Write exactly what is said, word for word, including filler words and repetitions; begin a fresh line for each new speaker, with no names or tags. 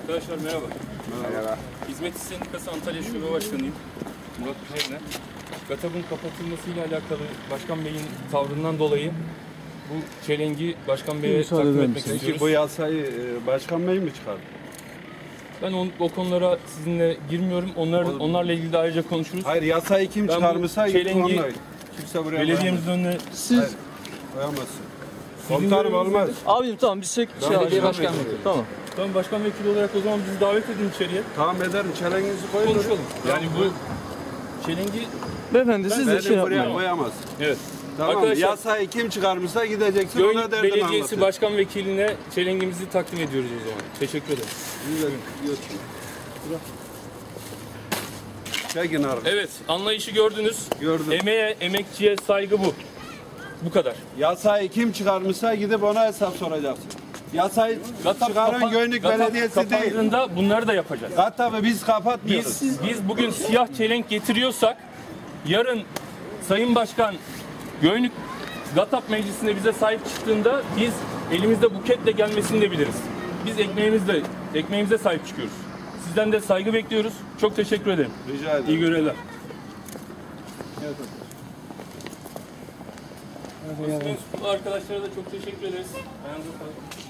Arkadaşlar merhaba.
Merhaba.
Hizmet İş Sendikası Antalya Şube Başkanıyım. Murat Güler'le. GATAB'ın kapatılmasıyla alakalı Başkan Bey'in tavrından dolayı bu çelengi Başkan Bey'e takdim etmek istiyoruz.
Peki bu yasayı Başkan Bey mi çıkardı?
Ben on, o konulara sizinle girmiyorum. Onlar, onlarla ilgili de ayrıca konuşuruz.
Hayır, yasayı kim
Ben bu
çıkarmışsa
çelengi
onunla. Kimse buraya
Belediyemizin önüne
Siz
koyamazsın. Komutanım olmaz.
abim tamam biz şey belediye başkanlığı. Tamam.
Tamam, başkan vekili olarak o zaman bizi davet edin içeriye.
Tamam ederim. Çelenginizi koyun.
Konuşalım. Yani bu çelengi...
Beyefendi siz de
Beni
şey
buraya
yapmayın.
koyamazsın.
Evet.
Tamam.
Arkadaşlar,
Yasayı kim çıkarmışsa gideceksin, ona
Göyük
derdini
Belediyesi
anlatacaksın.
Başkan Vekiline çelengimizi takdim ediyoruz o zaman. Teşekkür ederim.
Çekin abi.
Evet, anlayışı gördünüz.
Gördüm.
Emeğe, emekçiye saygı bu. Bu kadar.
Yasayı kim çıkarmışsa gidip ona hesap soracaksın. Yasayı
GATAB
çıkaran
kapa-
Göyük
GATAB
Belediyesi değil.
kapandığında bunları da yapacağız.
GATAB'ı biz kapatmıyoruz.
Biz, biz bugün siyah çelenk getiriyorsak, yarın Sayın Başkan Göyük GATAB Meclisi'nde bize sahip çıktığında biz elimizde buketle gelmesini de biliriz. Biz ekmeğimizle, ekmeğimize sahip çıkıyoruz. Sizden de saygı bekliyoruz. Çok teşekkür ederim.
Rica ederim.
İyi görevler. Evet. Arkadaşlara da çok teşekkür ederiz. Ayağınıza sağlık.